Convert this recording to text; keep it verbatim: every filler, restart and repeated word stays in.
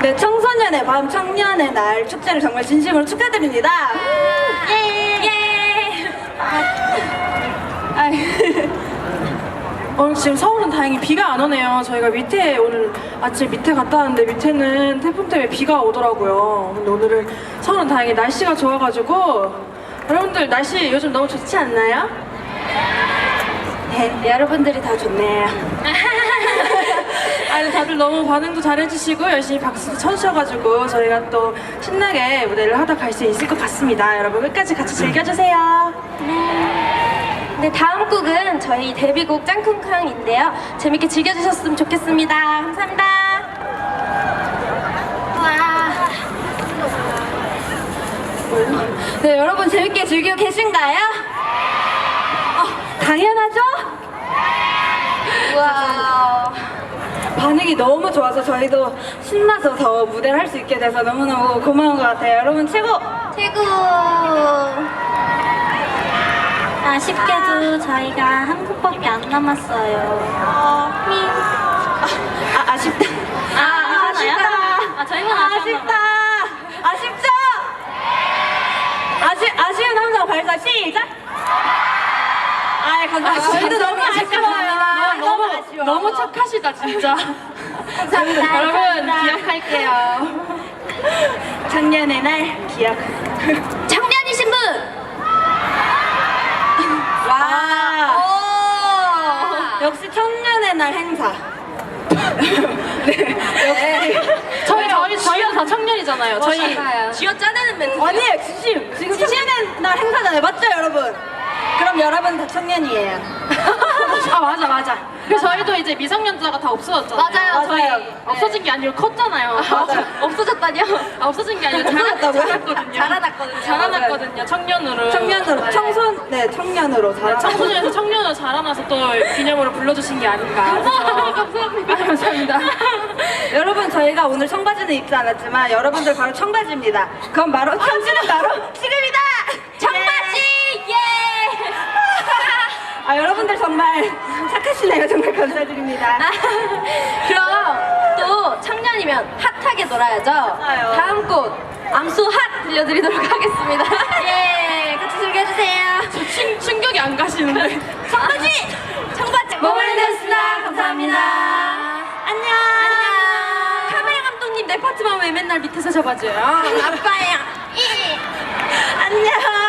네, 청소년의 밤, 청년의 날 축제를 정말 진심으로 축하드립니다. 예! 예! 아, 오늘 지금 서울은 다행히 비가 안 오네요. 저희가 밑에 오늘 아침 밑에 갔다 왔는데 밑에는 태풍 때문에 비가 오더라고요. 근데 오늘은 서울은 다행히 날씨가 좋아가지고 여러분들 날씨 요즘 너무 좋지 않나요? 네, 여러분들이 다 좋네요. 아니 다들 너무 반응도 잘해주시고 열심히 박수도 쳐주셔가지고 저희가 또 신나게 무대를 하다 갈 수 있을 것 같습니다. 여러분 끝까지 같이 즐겨주세요. 네, 다음 곡은 저희 데뷔곡 짱쿵쾅인데요. 재밌게 즐겨주셨으면 좋겠습니다. 감사합니다. 와. 네, 여러분 재밌게 즐기고 계신가요? 어, 당연하죠? 와. 반응이 너무 좋아서 저희도 신나서 더 무대를 할 수 있게 돼서 너무너무 고마운 것 같아요. 여러분 최고! 최고. 아쉽게도 저희가 한 곡밖에 안 남았어요. 아, 아쉽다. 아, 아쉽다. 아, 저희만 아쉽다. 아쉽죠? 아쉬, 아쉬운 함성 발사 시작! 아, 감사합니다. 저희도 너무 아쉬워요. 너무 아쉬워. 너무 착하시다 진짜. 감사합니다. 여러분 기억할게요. 작년의 날 기억. 청년이신 분. 와. 오. 역시 청년의 날 행사. 네. 역시. 저희 저희 저희가 다 청년이잖아요. 저희 맞아요. 쥐어 짜내는 멘트. 아니에요, 진심. 지금 청년의 날 행사잖아요. 맞죠, 여러분? 그럼 여러분 다 청년이에요. 아 맞아 맞아. 그래서 저희도 이제 미성년자가 다 없어졌잖아요. 맞아요, 저희. 없어진 게 아니고 컸잖아요. 없어졌다뇨? 아, 없어진 게 아니고 자라, 없어졌다고요? 자랐거든요. 자라났거든요. 자라났거든요. 청년으로. 청년으로, 청소, 네, 청년으로 네, 자라. 청소년에서 청년으로 자라나서 또 기념으로 불러주신 게 아닌가. 감사합니다. 아, 감사합니다. 여러분, 저희가 오늘 청바지는 입지 않았지만 여러분들 바로 청바지입니다. 그럼 바로 청주는 바로 지금이다. 청바지. 예. 아, 여러분들 정말 착하시네요. 정말 감사드립니다. 그럼 또 청년이면 핫하게 놀아야죠. 맞아요. 다음 곡 암소 핫 들려드리도록 하겠습니다. 예, 같이 즐겨주세요. 충, 충격이 안 가시는데. 청바지, 청바지. 모발이었습니다. 감사합니다. 안녕. 카메라 감독님 내 파트만 왜 맨날 밑에서 잡아줘요? 아빠야. 안녕.